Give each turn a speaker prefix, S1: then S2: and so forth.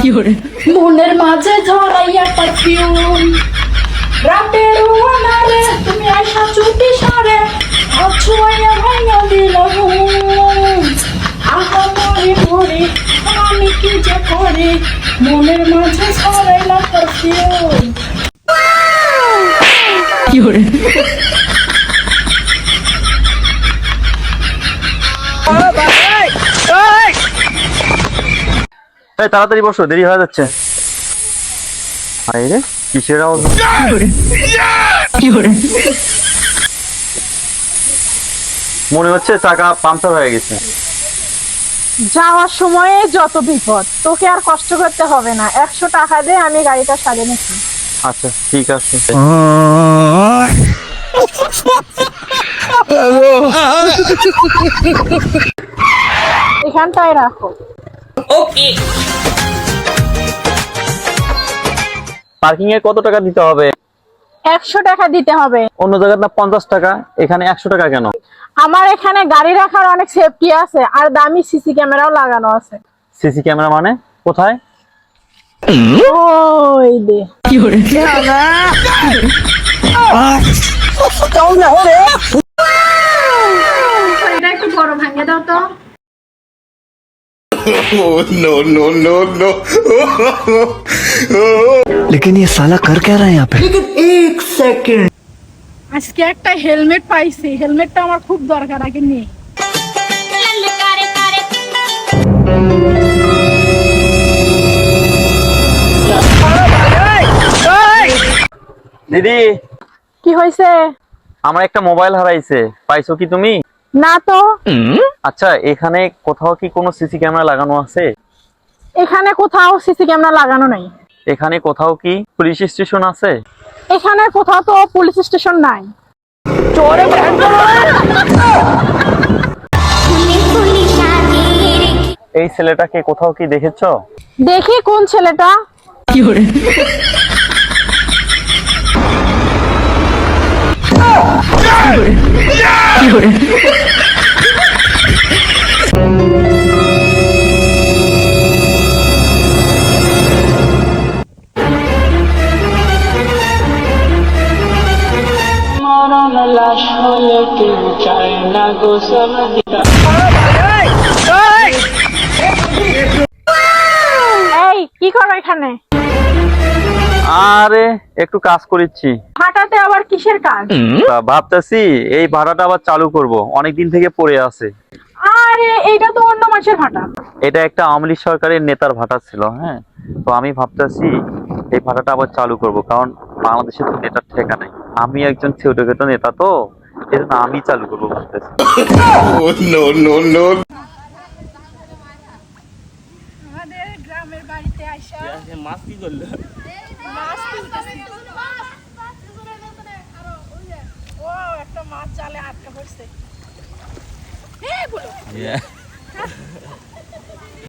S1: মনের মাঝে ঝরাইয়া পারফিউম রাতের ওয়ানারে তুমি আইসা চুটি সারে আছুয়াইয়া ভাইয়া দিলাম আহা মরে মরে আমি কি যে করি মনের মাঝে ঝরাইলা পারফিউম
S2: এই তাড়াতাড়ি বসো, দেরি হয়ে যাচ্ছে। আরে কিসের আওয়াজ? মনে হচ্ছে চাকা পাংচার হয়ে গেছে।
S3: যাওয়ার সময়ে যত বিপদ, তোকে আর কষ্ট করতে হবে না। 100 টাকা দিয়ে আমি গাড়িটা সারিয়ে নিচ্ছি।
S2: আচ্ছা ঠিক আছে।
S3: এখানটায় রাখো।
S2: পার্কিং এ কত টাকা দিতে হবে?
S3: 100 টাকা দিতে হবে।
S2: অন্য জায়গায় না 50 টাকা, এখানে 100 টাকা কেন?
S3: আমার এখানে গাড়ি রাখার অনেক সেফটি আছে, আর দামি সিসি ক্যামেরাও লাগানো আছে।
S2: সিসি ক্যামেরা মানে কোথায়?
S3: ওই দে। এটা একটু বড় ভাঙে দাও তো।
S4: no, no, no, no.
S5: लेकिन ये साला कर क्या रहा है यहाँ पे?
S3: আজকে একটা হেলমেট পাইছি, হেলমেটটা আমার খুব দরকার, আগে নিয়ে।
S2: দিদি,
S3: কি হয়েছে?
S2: আমার একটা মোবাইল হারাইছে, পাইছো কি তুমি?
S3: না তো।
S2: আচ্ছা, এখানে কোথাও কি কোনো সিসি ক্যামেরা লাগানো আছে?
S3: এখানে কোথাও সিসি ক্যামেরা লাগানো নাই।
S2: এখানে কোথাও কি পুলিশ স্টেশন আছে?
S3: এখানে কোথাও তো পুলিশ স্টেশন নাই।
S2: এই ছেলেটাকে কোথাও কি দেখেছো?
S3: দেখি কোন ছেলেটা। এই কি করো এখানে?
S2: আরে একটু কাজ করেছি।
S3: হাঁটাতে আবার কিসের কাজ?
S2: ভাবতেছি এই ভাড়াটা আবার চালু করব, অনেকদিন থেকে পড়ে আছে।
S3: আরে এইটা তো অন্য মাসের ভাটা।
S2: এটা একটা আওয়ামী লীগ সরকারের নেতার ভাটা ছিল, হ্যাঁ। তো আমি ভাবতেছি এই ভাড়াটা আবার চালু করব, কারণ বাংলাদেশে তো নেতার ঠেকা নাই। আমি একজন ছোটখাটো নেতা, তো এজন্য আমি চালু করবো ভাবতেছি।
S4: Oh, no, no, no.
S3: আমাদের গ্রামের বাড়িতে আইসা
S2: মাছ কি করলো?
S3: মাছ তুলতেছি। ও একটা মাছ জালে আটকা পড়ছে। এই বলো।